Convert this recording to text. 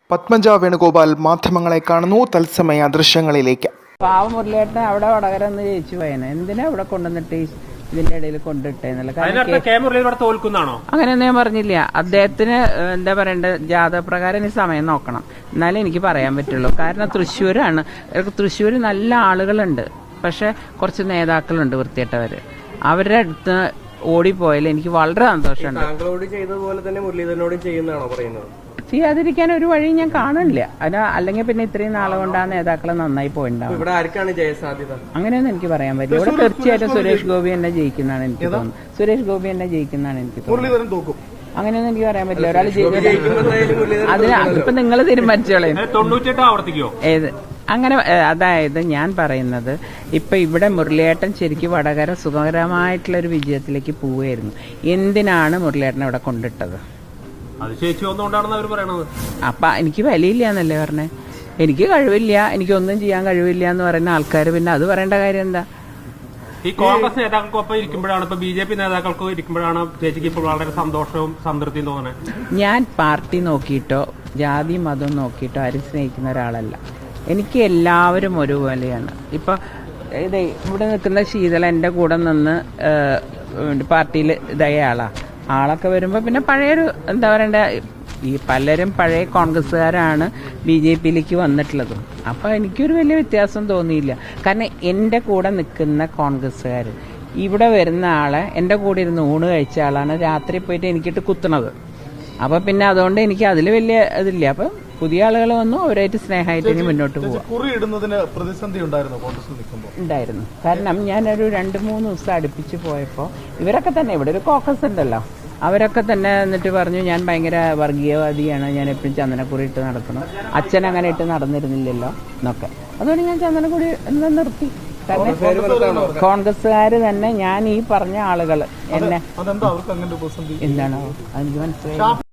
പത്മജ വേണുഗോപാൽ മാധ്യമങ്ങളെ കാണുന്നു. തത്സമയ ദൃശ്യങ്ങളിലേക്ക്. പാവ മുരളിയേട്ടൻ അവിടെ വടകര ഒന്ന് ജയിച്ചു പോയനെ, എന്തിനാ ഇവിടെ കൊണ്ടുവന്നിട്ട് ഇതിന്റെ ഇടയിൽ കൊണ്ടിട്ടേന്നല്ല. അങ്ങനെയൊന്നും ഞാൻ പറഞ്ഞില്ല. അദ്ദേഹത്തിന് എന്താ പറയണ്ടത്, ജാതപ്രകാരം ഈ സമയം നോക്കണം, എന്നാലേ എനിക്ക് പറയാൻ പറ്റുള്ളൂ. കാരണം തൃശ്ശൂരാണ്, തൃശ്ശൂർ നല്ല ആളുകളുണ്ട്, പക്ഷെ കുറച്ച് നേതാക്കളുണ്ട് വൃത്തിയിട്ടവര്. അവരുടെ അടുത്ത് ഓടിപ്പോയാൽ എനിക്ക് വളരെ സന്തോഷമുണ്ട്. താങ്കളോട് ചെയ്തതുപോലെ തന്നെ മുരളീധരനോടും ചെയ്യുന്നതാണോ പറയുന്നത്? ചെയ്യാതിരിക്കാൻ ഒരു വഴി ഞാൻ കാണില്ല. അല്ലെങ്കിൽ പിന്നെ ഇത്രയും നാളെ കൊണ്ട് ആ നേതാക്കളെ നന്നായി പോയിണ്ടാവും. ഇവിടെ ആർക്കാണ് ജയസാധ്യത? അങ്ങനെയൊന്നും എനിക്ക് പറയാൻ പറ്റില്ല. ഇവിടെ തീർച്ചയായിട്ടും സുരേഷ് ഗോപി എന്നെ ജയിക്കുന്നതാണ് എനിക്ക് തോന്നുന്നത്. സുരേഷ് ഗോപി എന്നെ ജയിക്കുന്നതാണ് എനിക്ക് തോന്നുന്നത്. അങ്ങനെയൊന്നും എനിക്ക് പറയാൻ പറ്റില്ല. ഒരാൾ അതിന് അതിപ്പോ നിങ്ങൾ തീരുമാനിച്ചോളേ. ഏത് അങ്ങനെ, അതായത് ഞാൻ പറയുന്നത്, ഇപ്പൊ ഇവിടെ മുരളിയേട്ടൻ ശരിക്കും വടകര സുഖകരമായിട്ടുള്ള ഒരു വിജയത്തിലേക്ക് പോവുകയായിരുന്നു. എന്തിനാണ് മുരളിയേട്ടനെ ഇവിടെ കൊണ്ടിട്ടത്? അപ്പൊ എനിക്ക് വിലയില്ല എന്നല്ലേ പറഞ്ഞേ. എനിക്ക് കഴിവില്ല, എനിക്കൊന്നും ചെയ്യാൻ കഴിവില്ല എന്ന് പറയുന്ന ആൾക്കാർ പിന്നെ അത് പറയേണ്ട കാര്യം എന്താ? ഈ കോൺഗ്രസ് നേതാക്കൾക്കൊപ്പം ഇരിക്കുമ്പോഴാണ്, ഇപ്പൊ BJP നേതാക്കൾക്ക് ഇരിക്കുമ്പോഴാണ് ചേച്ചിക്ക് ഇപ്പോൾ വളരെ സന്തോഷവും സംതൃപ്തിയും തോന്നുന്നത്. ഞാൻ പാർട്ടി നോക്കിയിട്ടോ ജാതി മതം നോക്കിയിട്ടോ ആരും സ്നേഹിക്കുന്ന ഒരാളല്ല. എനിക്ക് എല്ലാവരും ഒരുപോലെയാണ്. ഇപ്പൊ ഇതേ ഇവിടെ നിൽക്കുന്ന ശീതള എന്റെ കൂടെ നിന്ന് പാർട്ടിയിൽ ഇതായ ആളൊക്കെ വരുമ്പോൾ പിന്നെ പഴയൊരു എന്താ പറയണ്ട, ഈ പലരും പഴയ കോൺഗ്രസ്സുകാരാണ് BJPയിലേക്ക് വന്നിട്ടുള്ളതും. അപ്പോൾ എനിക്കൊരു വലിയ വ്യത്യാസം തോന്നിയില്ല. കാരണം എൻ്റെ കൂടെ നിൽക്കുന്ന കോൺഗ്രസ്സുകാർ ഇവിടെ വരുന്ന ആളെ എൻ്റെ കൂടെ ഇരുന്ന് ഊണ് കഴിച്ച ആളാണ് രാത്രി പോയിട്ട് എനിക്കിട്ട് കുത്തണത്. അപ്പോൾ പിന്നെ അതുകൊണ്ട് എനിക്ക് അതിൽ വലിയ ഇതില്ല. അപ്പം പുതിയ ആളുകൾ വന്നു, അവരായിട്ട് സ്നേഹമായിട്ട് ഇനി മുന്നോട്ട് പോവാം. ഉണ്ടായിരുന്നു. കാരണം ഞാനൊരു 2-3 ദിവസം അടുപ്പിച്ച് പോയപ്പോൾ ഇവരൊക്കെ തന്നെ, ഇവിടെ ഒരു കോക്കസ് ഉണ്ടല്ലോ, അവരൊക്കെ തന്നെ എന്നിട്ട് പറഞ്ഞു ഞാൻ ഭയങ്കര വർഗീയവാദിയാണ്, ഞാൻ എപ്പോഴും ചന്ദനക്കുറി ഇട്ട് നടക്കണം, അച്ഛൻ അങ്ങനെ ഇട്ട് നടന്നിരുന്നില്ലല്ലോ എന്നൊക്കെ. അതുകൊണ്ട് ഞാൻ ചന്ദനക്കുറി എന്ന് നിർത്തി. കാരണം കോൺഗ്രസ്സുകാർ തന്നെ, ഞാൻ ഈ പറഞ്ഞ ആളുകൾ എന്നെ എന്താണോ അതെനിക്ക് മനസ്സിലായി.